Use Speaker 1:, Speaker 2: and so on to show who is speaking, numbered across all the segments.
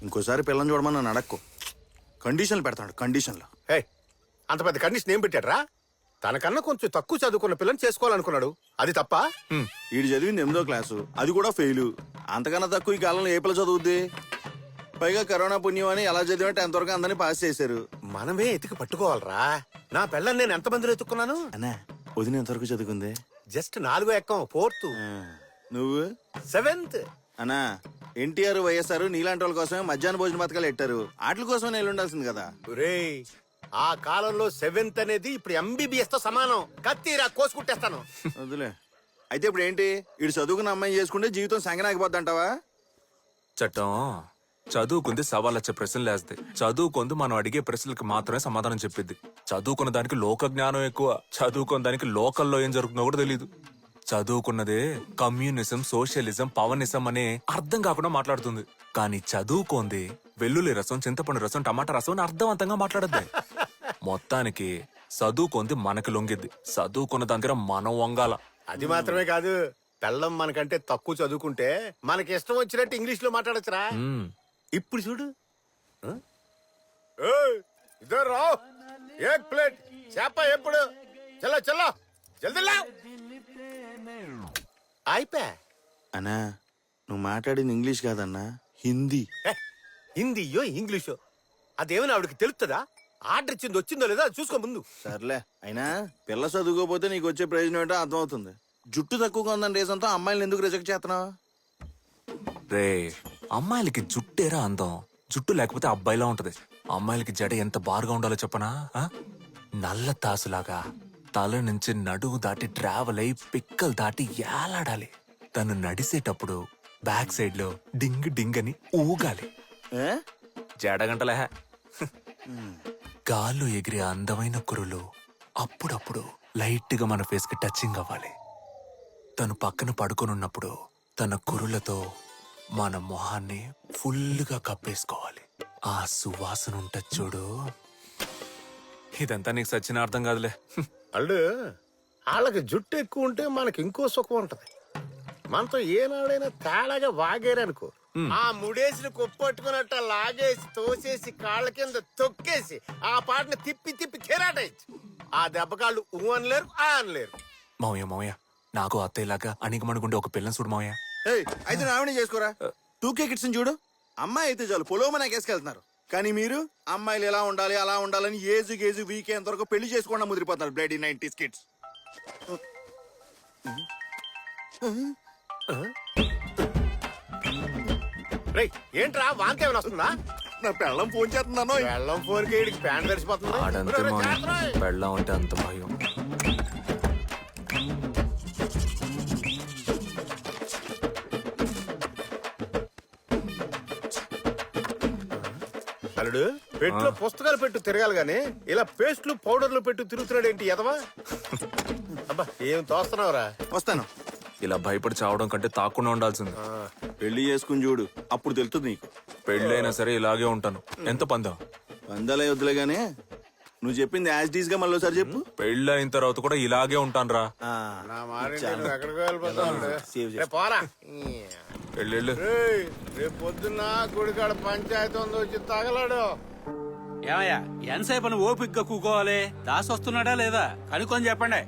Speaker 1: ఇంకోసారి పిల్లని చూడమని నన్ను అడక్కు. కండిషన్లు పెడతాడు, కండిషన్లు.
Speaker 2: హే, అంత పెద్ద కండిషన్ ఏం పెట్టాడ్రా? తనకన్నా కొంచెం తక్కువ చదువుకున్న పిల్లని చేసుకోవాలనుకున్నాడు, అది తప్ప?
Speaker 1: వీడు చదివింది 8వ క్లాసు, అది కూడా ఫెయిల్. అంతకన్నా తక్కువ ఈ కాలంలో ఏ పిల్ల చదువుద్ది? పైగా కరోనా పుణ్యం అని ఎలా చదివా 10th వరకు అందరినీ పాస్ చేశారు.
Speaker 2: మనమే ఎతికి పట్టుకోవాలరా. నా పిల్లని నేను ఎంతమందిలో ఎత్తుకున్నాను?
Speaker 1: అన్నా వదిన ఎంతవరకు చదువుకుంది?
Speaker 2: జస్ట్ 4వ ఎక్కం, 4th.
Speaker 1: నువ్వు
Speaker 2: 7th.
Speaker 1: అన్నా ఎన్టీఆర్ వైఎస్ఆర్ నీలాంటి వాళ్ళ కోసమే మధ్యాహ్న భోజన పథకాలు పెట్టారు. వాటి కోసమే నేను ఉండాల్సింది కదా.
Speaker 2: రేయ్, ఆ కాలంలో 7th అనేది ఇప్పుడు MBBS తో సమానం. కత్తిరా కోసుకుంటేస్తాను.
Speaker 1: వదిలే. అయితే ఇప్పుడు ఏంటి? ఇటు చదువుకున్న అమ్మాయి చేసుకుంటే జీవితం సంగనాగిపోద్ది అంటావా?
Speaker 3: చట్టం చదువుకుంది సవాళ్ళొచ్చే ప్రశ్నలు వేస్తే, చదువుకుంది మనం అడిగే ప్రశ్నలకు మాత్రమే సమాధానం చెప్పిద్ది. చదువుకున్న దానికి లోక జ్ఞానం ఎక్కువ, చదువుకున్న దానికి లోకల్లో ఏం జరుగుతుందో కూడా తెలీదు. చదువుకున్నదే కమ్యూనిజం, సోషలిజం, పవనిజం అనే అర్థం కాకుండా మాట్లాడుతుంది. కానీ చదువుకోంది వెల్లుల్లి రసం, చింతపండు రసం, టమాటా రసం అని అర్థవంతంగా మాట్లాడద్ది. మొత్తానికి చదువుకుంది మనకి లొంగిద్ది, చదువుకున్న దగ్గర మనం వంగాల.
Speaker 2: అది మాత్రమే కాదు, పెళ్ళం మనకంటే తక్కువ చదువుకుంటే మనకి ఇష్టం వచ్చినట్టు ఇంగ్లీష్ లో మాట్లాడచ్చురా. ఇప్పుడు చూడు, ఇద్దరు రావు, ఏక్ ప్లేట్ చేప ఎప్పుడు, చల్ల చల్ల జల్దీ లావ్. అయిపోయా.
Speaker 1: అన్నా నువ్వు మాట్లాడింది ఇంగ్లీష్ కాదన్నా, హిందీ.
Speaker 2: హిందీయో ఇంగ్లీషో అదేమైనా ఆవిడకి తెలుస్తుందా? ఆర్డర్ ఇచ్చింది వచ్చిందో లేదా చూసుకో ముందు.
Speaker 1: సర్లే, అయినా పిల్ల చదువుకోపోతే నీకు వచ్చే ప్రయోజనం ఏంటో అర్థమవుతుంది. జుట్టు తక్కువగా ఉందని రీజన్తో అమ్మాయిలను ఎందుకు రిజెక్ట్ చేస్తున్నావు?
Speaker 3: రే, అమ్మాయిలకి జుట్టేరా అందం, జుట్టు లేకపోతే అబ్బాయిలా ఉంటది. అమ్మాయిలకి జడ ఎంత బారుగా ఉండాలో చెప్పనా? నల్ల తాసులాగా తల నుంచి నడువు దాటి ట్రావెల్ అయి పిక్కలు దాటి ఏలాడాలి. తను నడిసేటప్పుడు బ్యాక్ సైడ్ లో డింగ్ డింగ్ అని ఊగాలి. జడగంటలే. గాల్లో ఎగిరే అందమైన కురులు అప్పుడప్పుడు లైట్ గా మన ఫేస్ కి టచింగ్ అవ్వాలి. తను పక్కన పడుకొనున్నప్పుడు తన కురులతో మన మొహాన్ని ఫుల్గా కప్పేసుకోవాలి. ఆ సువాసన ఉంటది చూడు. ఇదంతా నీకు సచ్చిన అర్థం కాదులే.
Speaker 2: అల్లు, వాళ్ళకి జుట్టు ఎక్కువ ఉంటే మనకి ఇంకో సుఖం ఉంటది. మనతో ఏనాడైనా తేడాగా వాగేరనుకో, ఆ ముడేసిన కొప్పట్టుకున్నట్ట లాగేసి తోసేసి కాళ్ళ కింద తొక్కేసి ఆ పాటను తిప్పి తిప్పి కెరాటేయచ్చు. ఆ దెబ్బకాళ్ళు ఊ అనలేరు, ఆ అనలేరు.
Speaker 3: మావయ్య నాకు అత్తయ్యలాగా అణిగమణుగుండే ఒక పిల్లని చూడు మావయ్య.
Speaker 1: అయితే నావినే చేసుకోరా. 2K కిడ్స్ చూడు, అమ్మాయి అయితే చాలు పొలోమని కేసుకెళ్తున్నారు. కానీ మీరు అమ్మాయిలు ఎలా ఉండాలి అలా ఉండాలని ఏజు గేజు వీకే ఎంతవరకు పెళ్లి చేసుకోకుండా ముదిరిపోతున్నారు. Bloody 90s kids.
Speaker 2: రేయ్, ఏంట్రా వాంతి ఏమైనా వస్తుందా?
Speaker 1: నా పెళ్ళం ఫోన్ చేస్తున్నాను.
Speaker 2: వెళ్ళం ఫోన్ కి ఈడికి ప్యాంట్ తడిసిపోతుంది.
Speaker 3: ఆడంతే మావయ్య, పెళ్ళాం అంటే అంత భయం.
Speaker 2: అల్లుడు, పెట్టులో పుస్తకాలు పెట్టు తిరగాలి గాని ఇలా పేస్ట్లు పౌడర్లు పెట్టు తిరుగుతున్నాడు ఏంటి ఎదవా? అబ్బా, ఏం తోస్తున్నావురా?
Speaker 1: వస్తాను.
Speaker 3: ఇలా భయపడి చావడం కంటే తాకుండా ఉండాల్సింది.
Speaker 1: పెళ్లి చేసుకుని చూడు, అప్పుడు తెలుస్తుంది నీకు.
Speaker 3: పెళ్ళైనా సరే ఇలాగే ఉంటాను. ఎంత పందం?
Speaker 1: పందాలే వద్దులే గానీ నువ్వు చెప్పింది యాజ్ డీస్ గా మళ్ళీ ఒకసారి చెప్పు.
Speaker 3: పెళ్ళైన తర్వాత కూడా ఇలాగే ఉంటాను రా.
Speaker 2: నా మారింటి నువ్వు ఎక్కడికో వెళ్ళిపోతావు. రేపు పోరా.
Speaker 3: పెళ్ళిళ్ళు
Speaker 2: రేపు పొద్దున్న గుడికాడ పంచాయతీ ఉంది, వచ్చి తగలాడు.
Speaker 4: ఏమయ్యా, ఎంతసేపు అని ఓపిగ్గా కూకోవాలి? దాసి వస్తున్నాడా లేదా కనుక్కొని చెప్పండి.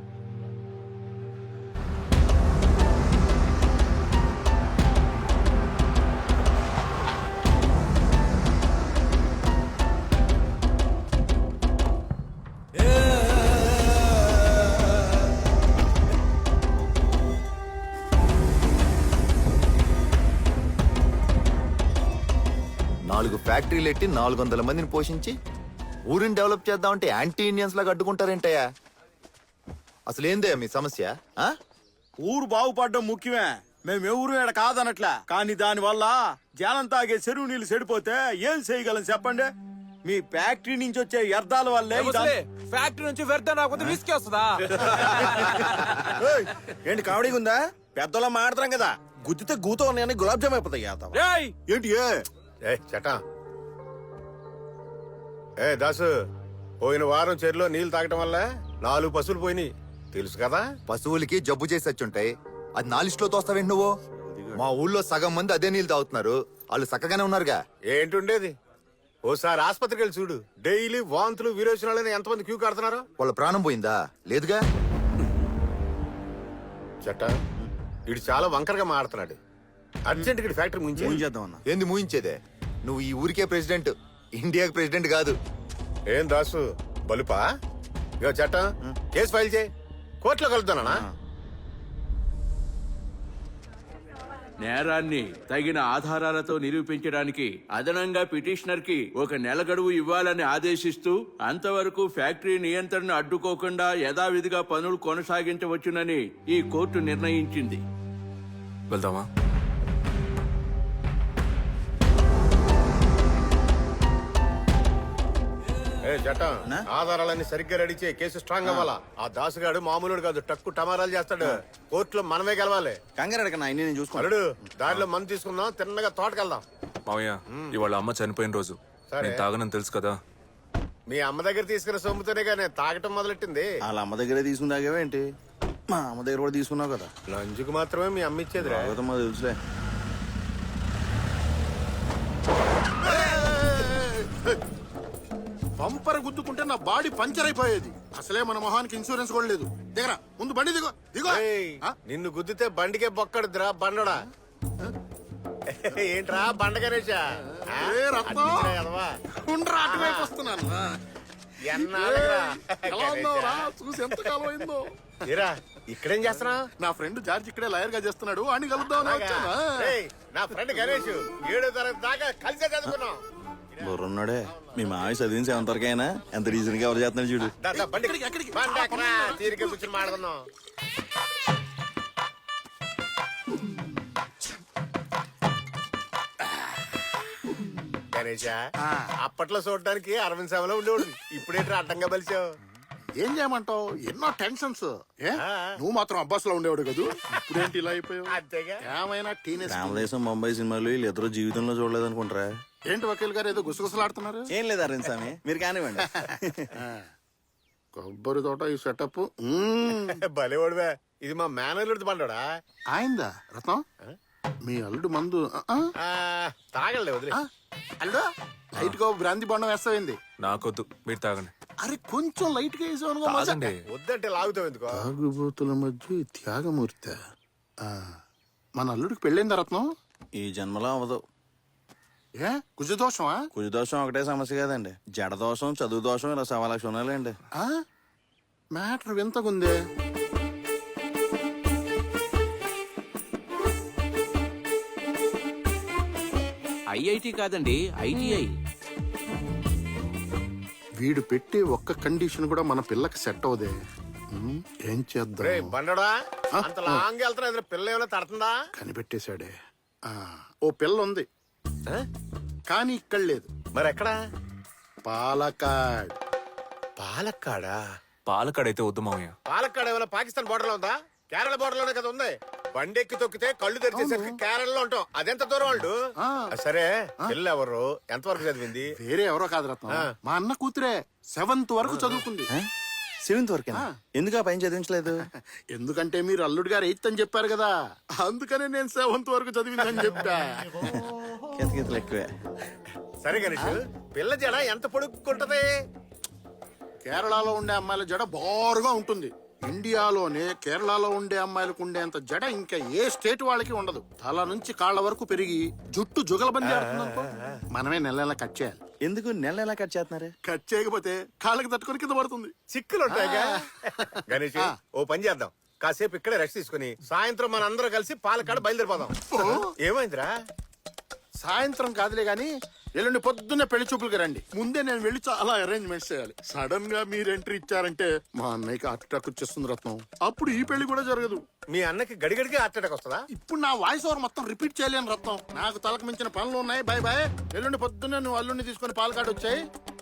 Speaker 5: ఫ్యాక్టరీలు ఎట్టి 400 మందిని పోషించి ఊరిని డెవలప్ చేద్దామంటే యాంటీ ఇండియన్స్ లాగా అడ్డుకుంటారేంటయ్యా? అసలు ఏందయ్యా మీ సమస్య?
Speaker 1: ఊరు బాగుపడడం ముఖ్యమే, మేము ఎవరు ఏడ కాదనట్లా. కానీ దాని వల్ల జనం తాగే చెరువు నీళ్లు చెడిపోతే ఏం చేయగలం చెప్పండి? మీ ఫ్యాక్టరీ నుంచి వచ్చే వ్యర్థాల వల్లే.
Speaker 6: ఫ్యాక్టరీ నుంచి వ్యర్థం రాకపోతే విసికి వస్తుందా?
Speaker 1: ఏంటి కామెడీగా ఉందా? పెద్దలో మాడతాం కదా, గుద్దితే గూతో ఉన్నాయని గులాబ్ జామ్ అయిపోతాయి. ఏంటి
Speaker 2: చటా దాసు, పోయిన వారం చెరువులో నీళ్లు తాగటం వల్ల 4 పశువులు పోయినాయి తెలుసు కదా?
Speaker 5: పశువులకి జబ్బు చేసి వచ్చుంటాయి, అది నా లిస్టులో తోస్తావేంటి నువ్వు? మా ఊళ్ళో సగం మంది అదే నీళ్ళు తాగుతున్నారు. వాళ్ళు చక్కగానే ఉన్నారుగా.
Speaker 2: ఏంటుండేది, ఓసారి ఆసుపత్రికి వెళ్ళి చూడు. డైలీ వాంతులు విరోచనాలని ఎంతమంది క్యూ కడుతున్నారు.
Speaker 5: వాళ్ళ ప్రాణం పోయిందా? లేదుగా.
Speaker 2: చట్ట ఇడు చాలా వంకరగా మాడుతున్నాడు. అర్జెంట్ గా ఫ్యాక్టరీ
Speaker 1: ఫోన్
Speaker 2: ముంచే.
Speaker 1: చేద్దాం అన్న.
Speaker 5: ఏంది మూయించేదే? నువ్వు ఈ ఊరికే ప్రెసిడెంట్, ఇండియాకి ప్రెసిడెంట్ కాదు.
Speaker 2: ఏం దాసు బలుపా? ఇగో చట్ట కేసు ఫైల్ చేయి, కోర్టులో కలుద్దానా?
Speaker 4: నేరాన్ని తగిన ఆధారాలతో నిరూపించడానికి అదనంగా పిటిషనర్ కి 1 నెల గడువు ఇవ్వాలని ఆదేశిస్తూ అంతవరకు ఫ్యాక్టరీ నియంత్రణ అడ్డుకోకుండా యథావిధిగా పనులు కొనసాగించవచ్చునని ఈ కోర్టు నిర్ణయించింది.
Speaker 3: వెళ్దామా?
Speaker 2: ఏ చట్ట ఆధారాలన్నీ సరిగ్గా రెడీ చేయి, కేసు స్ట్రాంగ్ అవ్వాలా. ఆ దాసుగాడు మామూలుడు కాదు, టక్కు టమారాలు చేస్తాడు. కోర్టులో మనమే గెలవాలి.
Speaker 1: కంగారు అడగన్నా, అన్ని నేను చూసుకోవాలి.
Speaker 2: అల్లుడు దారిలో మందు తీసుకుందాం, తిన్నగా తోటకెళ్దాం.
Speaker 3: మావయ్య, ఇవాళ అమ్మ చనిపోయిన రోజు.
Speaker 2: సరే.
Speaker 3: నేను తాగనని తెలుసు కదా.
Speaker 2: మీ అమ్మ దగ్గర తీసుకున్న సొమ్ముతోనే కానీ తాగటం మొదలెట్టింది.
Speaker 1: వాళ్ళ అమ్మ దగ్గరే తీసుకున్నాకేంటి, మా అమ్మ దగ్గర కూడా తీసుకున్నావు కదా.
Speaker 2: లంచుకు మాత్రమే మీ అమ్మ ఇచ్చేదిరా.
Speaker 1: మా తెలుసులే.
Speaker 7: బంపర్ గుద్దుకుంటే నా బాడీ పంచర్ అయిపోయేది. అసలే మన మొహానికి ఇన్సూరెన్స్ కూడా లేదు. దిగరా, ముందు బండి దిగో దిగో.
Speaker 2: ఏయ్,
Speaker 7: ఆ?
Speaker 2: నిన్ను గుద్దితే బండికే బొక్కడుద్దిరా బండోడా. ఏంట్రా బండ గణేశా? ఆ?
Speaker 7: ఏ రత్నం?
Speaker 2: అడ్డించినా కదవా?
Speaker 7: ఉండ్రా, అటువైపు వస్తున్నాను.
Speaker 2: ఎన్నాళ్ళురా?
Speaker 7: ఎలా ఉన్నావురా?
Speaker 2: గణేశా.
Speaker 7: చూసి ఎంత కాలం అయిందో.
Speaker 2: ఏరా, ఇక్కడేం చేస్తున్నావు?
Speaker 7: నా ఫ్రెండ్ జార్జ్ ఇక్కడే లాయర్ గా చేస్తున్నాడు, అని కలుద్దామని వచ్చాను.
Speaker 2: నా ఫ్రెండ్ గణేష్ 7వ తరగతి దాకా కలిసే చదువుకున్నాం.
Speaker 1: బుర్రున్నాడే, మీ మావి చదివిన 7th వరకైనా ఎంత రీజన్ గా ఎవరు చేస్తున్నాడు చూడు.
Speaker 2: దా, దా, బండి
Speaker 7: ఎక్కడికి?
Speaker 2: బండి ఎక్కరా? తీరిక కూర్చొని మాట్లాడుకుందాం. గణేష, అప్పట్లో చూడడానికి అరవింద్ సభలో ఉండేవాడు. ఇప్పుడేంటి అడ్డంగా బలిచావు?
Speaker 7: ఏం చేయమంటావు, ఎన్నో టెన్షన్స్. ఏ
Speaker 2: ఆ.
Speaker 7: నువ్వు మాత్రం అబ్బాస్ లో ఉండేవాడు కదూ, ఇప్పుడేంటి ఇలా అయిపోయావు?
Speaker 2: అంతేగా.
Speaker 7: ఏమైనా టీనేజ్.
Speaker 1: రామదేశం ముంబై సినిమాలు వీళ్ళు ఇద్దరు జీవితంలో చూడలేదు అనుకుంటారా?
Speaker 7: ఏంటి వకీల్ గారు ఏదో గుసగుసలాడుతున్నారు?
Speaker 1: ఏం లేదు అరవింద్ స్వామి, మీరు కానివ్వండి.
Speaker 7: కొబ్బరి తోట ఈ సెటప్
Speaker 2: భలేవాడువే. ఇది మా మేనల్లుడి బండోడా.
Speaker 7: ఆయిందా రత్నం? మీ అల్లుడు మందు
Speaker 2: తాగలే వదిలే.
Speaker 7: అల్లుడు లైట్ గా బ్రాంతి బొండం వేస్తావేంది?
Speaker 3: నాకొద్దు, మీరు తాగండి.
Speaker 7: అరే కొంచెం లైట్ గా వేసావు.
Speaker 3: తాగండి.
Speaker 2: వద్దంటే లాగుతావు ఎందుకో.
Speaker 7: తాగుబోతుల మధ్య ఈ త్యాగమూర్తి. మన అల్లుడికి పెళ్ళైందా రత్నం?
Speaker 1: ఈ జన్మలో అవ్వదు.
Speaker 7: ఏ కుజదోషమా?
Speaker 1: కుజదోషం ఒకటే సమస్య కాదండి, జడదోషం, చదువు దోషం, ఇలా 1,00,000 ఉన్నాయండి.
Speaker 7: మ్యాటర్ వింతకుందే.
Speaker 4: ఐఐటి కాదండి, ఐటీఐ.
Speaker 7: వీడు పెట్టే ఒక్క కండిషన్ కూడా మన పిల్లకి సెట్ అవదే. ఏం
Speaker 2: రే
Speaker 7: చేద్దాం?
Speaker 2: బండోడా, అంత లాంగ్ వెళ్తున్నా ఎదురు పిల్ల ఏమైనా తడుతుందా?
Speaker 7: కనిపెట్టేశాడే. ఓ పిల్ల ఉంది, కానీ ఇక్కడ లేదు.
Speaker 2: మరి ఎక్కడా?
Speaker 7: పాలకాడ్.
Speaker 2: పాలక్కాడా?
Speaker 3: పాలకాడైతే వద్దు మావయ్య.
Speaker 2: పాలక్కాడ ఏమైనా పాకిస్తాన్ బోర్డర్ లో ఉందా? కేరళ బోర్డర్ లోనే కదా ఉంది. బండెక్కి తొక్కితే కళ్ళు తెరిచేసరికి కేరళలో ఉంటాం. అదెంత దూరం వాళ్ళు? సరే, పిల్ల ఎవరు, ఎంతవరకు చదివింది?
Speaker 7: వేరే ఎవరో కాదు రత్నం, మా అన్న కూతురే. 7th వరకు చదువుకుంది.
Speaker 1: 7th వరకేనా? ఎందుకు ఆ పైన చదివించలేదు?
Speaker 7: ఎందుకంటే మీరు అల్లుడు గారు 8th అని చెప్పారు కదా, అందుకనే నేను 7th వరకు చదివిందని చెప్పా.
Speaker 1: కితకితలు ఎక్కువే.
Speaker 2: సరే గణేష్, పిల్ల జడ ఎంత పొడుక్కుంటది?
Speaker 7: కేరళలో ఉండే అమ్మాయిల జడ బారుగా ఉంటుంది. ఇండియాలోనే కేరళలో ఉండే అమ్మాయిలకు ఉండేంత జడ ఇంకా ఏ స్టేట్ వాళ్ళకి ఉండదు. తల నుంచి కాళ్ళ వరకు పెరిగి జుట్టు జుగలబంది ఆడుతుందనుకో, మనమే నెల నెల కట్ చేయాలి.
Speaker 1: ఎందుకు నెల ఎలా కట్ చేస్తున్నారు?
Speaker 7: కట్ చేయకపోతే కాళ్ళకి తట్టుకొని కింద పడుతుంది.
Speaker 2: చిక్కులు ఉంటాయిగా. గణేష్, ఓ పని చేద్దాం, కాసేపు ఇక్కడే రెస్ట్ తీసుకుని సాయంత్రం మన అందరం కలిసి పాలకాడ బయలుదేరిపోదాం. ఏమైందిరా?
Speaker 7: సాయంత్రం కాదులే గాని ఎల్లుండి పొద్దున్నే పెళ్లి చూపులకి రండి. ముందే నేను వెళ్ళి చాలా అరేంజ్మెంట్స్ చేయాలి. సడన్ గా మీరు ఎంట్రీ ఇచ్చారంటే మా అన్నయ్యకి హార్ట్ అటాక్ వచ్చేస్తుంది రత్నం. అప్పుడు ఈ పెళ్లి కూడా జరగదు.
Speaker 2: మీ అన్నకి గడిగడికి హార్ట్ అటాక్ వస్తుందా?
Speaker 7: ఇప్పుడు నా వాయిస్ ఓవర్ మొత్తం రిపీట్ చేయలేను రత్నం, నాకు తలకు మించిన పనులు ఉన్నాయి. Bye bye. ఎల్లుండి పొద్దున్నే నువ్వు అల్లుండి తీసుకుని పాలకాడు వచ్చాయి.